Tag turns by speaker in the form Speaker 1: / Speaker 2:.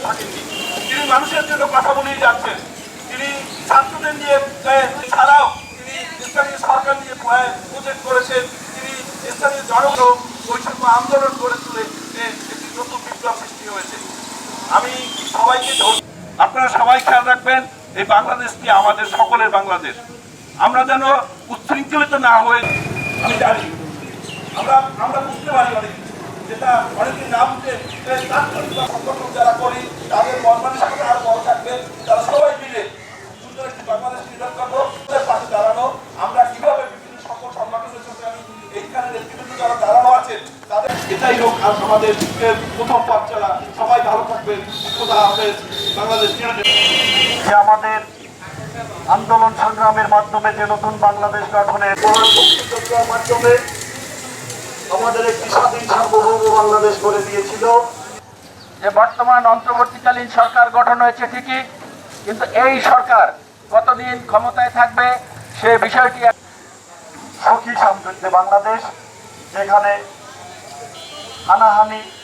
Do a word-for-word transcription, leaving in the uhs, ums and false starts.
Speaker 1: থাকেননি। তিনি মানুষের জন্য কথা বলেই যাচ্ছেন। তিনি ছাত্রদের নিয়ে ছাড়াও তিনি স্থানীয় সরকার নিয়ে প্রজেক্ট করেছেন। তিনি স্থানীয় জনগণ বৈষম্য আন্দোলন গড়ে তুলে একটি নতুন বিপ্লব সৃষ্টি হয়েছে। আমি সবাইকে আপনারা সবাই খেয়াল রাখবেন, এই বাংলাদেশটি আমাদের সকলের বাংলাদেশ। আমরা যেন উচ্ছৃঙ্খলিত না হয়ে, আমি জানি আমরা আমরা বুঝতে পারি অনেক কিছু, যেটা অনেকদিন না বুঝে সংগঠন যারা করি তাদের মন মানসিকতা আরো বড় থাকবে। তারা সবাই মিলে সুন্দর একটি বাংলাদেশ নির্মাণ করবো, পাশে দাঁড়ানো। আমরা কিভাবে বিভিন্ন সকল সংগঠনের সঙ্গে আমি এইখানে নেতৃবৃন্দ যারা দাঁড়ানো আছেন তাদের এটাই হোক আর আমাদের প্রথম পথ চলা। সবাই ভালো থাকবেন। খোদা হাফেজ। বাংলাদেশ
Speaker 2: যে আমাদের আন্দোলন সংগ্রামের মাধ্যমে যে নতুন বাংলাদেশ গঠনের মাধ্যমে আমাদের একটি স্বাধীন সার্বভৌম বাংলাদেশ করে দিয়েছিল।
Speaker 3: যে বর্তমান অন্তর্বর্তীকালীন সরকার গঠন হয়েছে ঠিকই, কিন্তু এই সরকার কতদিন ক্ষমতায় থাকবে সে বিষয়টি
Speaker 2: সুখী সমৃদ্ধ বাংলাদেশ, যেখানে হানাহানি